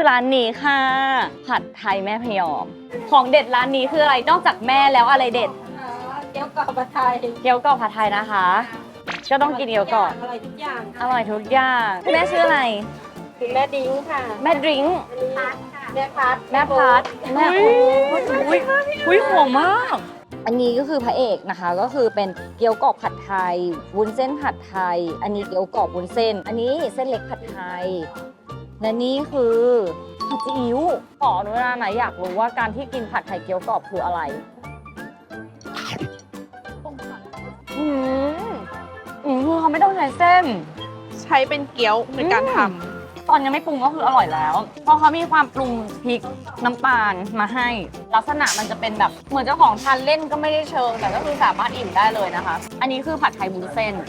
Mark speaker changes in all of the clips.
Speaker 1: คือร้านนี้ค่ะผัดไทยแม่พยอมของเด็ดร้านนี้คืออะไรนอกจากแม่แล้วอะไรเด็ด
Speaker 2: เกี๊ยวกรอบผัดไทย
Speaker 1: เกี๊ยวกรอบผัดไทยนะคะ ก็ต้องกินเกี๊ยวกรอบ
Speaker 2: อร่อยทุกอย่าง
Speaker 1: อร่อยทุกอย่างคุณแม่ชื่ออะไร
Speaker 2: คุณแม่ดิ้งค่ะ
Speaker 1: แม่ดริงก์
Speaker 2: แม่พัด
Speaker 1: แม่พัดแม่อุ้ยหอมมากอันนี้ก็คือพระเอกนะคะก็คือเป็นเกี๊ยวกรอบผัดไทยวุ้นเส้นผัดไทย อันนี้เกี๊ยวกรอบวุ้นเส้น อันนี้เส้นเล็กผัดไทยและนี่คือผัดซีอิ๊วขออนุญาตนะอยากรู้ว่าการที่กินผัดไทยเกี๊ยวกรอบคืออะไรคือเขาไม่ต้องใช้เส้น
Speaker 3: ใช้เป็นเกี๊ยวในการท
Speaker 1: ตอนยังไม่ปรุงก็คืออร่อยแล้ว เพราะเขามีความปรุงพริกน้ำตาลมาให้ ลักษณะมันจะเป็นแบบเหมือนเจ้าของทานเล่นก็ไม่ได้เชิง แต่ก็คือสามารถอิ่มได้เลยนะคะ อันนี้คือผัดไทยวุ้นเส้น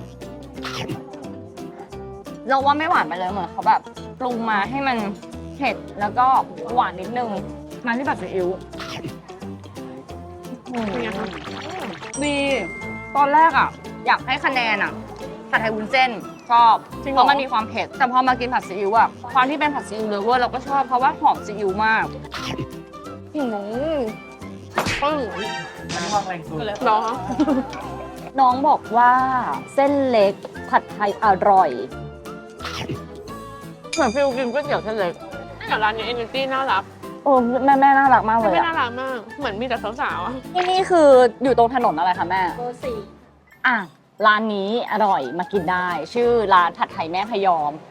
Speaker 1: เราว่าไม่หวานไปเลยเหมือนเขาแบบปรุงมาให้มันเผ็ดแล้วก็หวานนิดนึงมาที่ผัดซีอิ๊ว
Speaker 3: ำเป็นไงคะ
Speaker 1: ดีตอนแรกอ่ะ อยากให้คะแนนอ่ะผัดไทยวุ้นเส้นชอบเพราะมันมีความเผ็ดแต่พอมากินผัดซีอิ๊วอ่ะความที่เป็นผัดซีอิ๊วเลฟเวอร์เราก็ชอบเพราะว่าหอมซีอิ๊วมาก
Speaker 3: เนาะ
Speaker 1: น้องบอกว่าเส้นเล็กผัดไทยอร่อยเหมือนฟิลกินก๋วยเตี๋ยวเส้นเล็ก
Speaker 3: แต่ร้านนี้ Energy น่ารัก
Speaker 1: โอ้แม่น่ารักมากเลย
Speaker 3: ไม่
Speaker 1: อะ
Speaker 3: น่ารักมาก เหมือนมีแต่สาวๆอะ
Speaker 1: ที่นี่คืออยู่ตรงถนนอะไรคะแม่
Speaker 2: เบอร์สี่
Speaker 1: อ่ะร้านนี้อร่อยมากินได้ ชื่อร้านผัดไทยแม่พยอม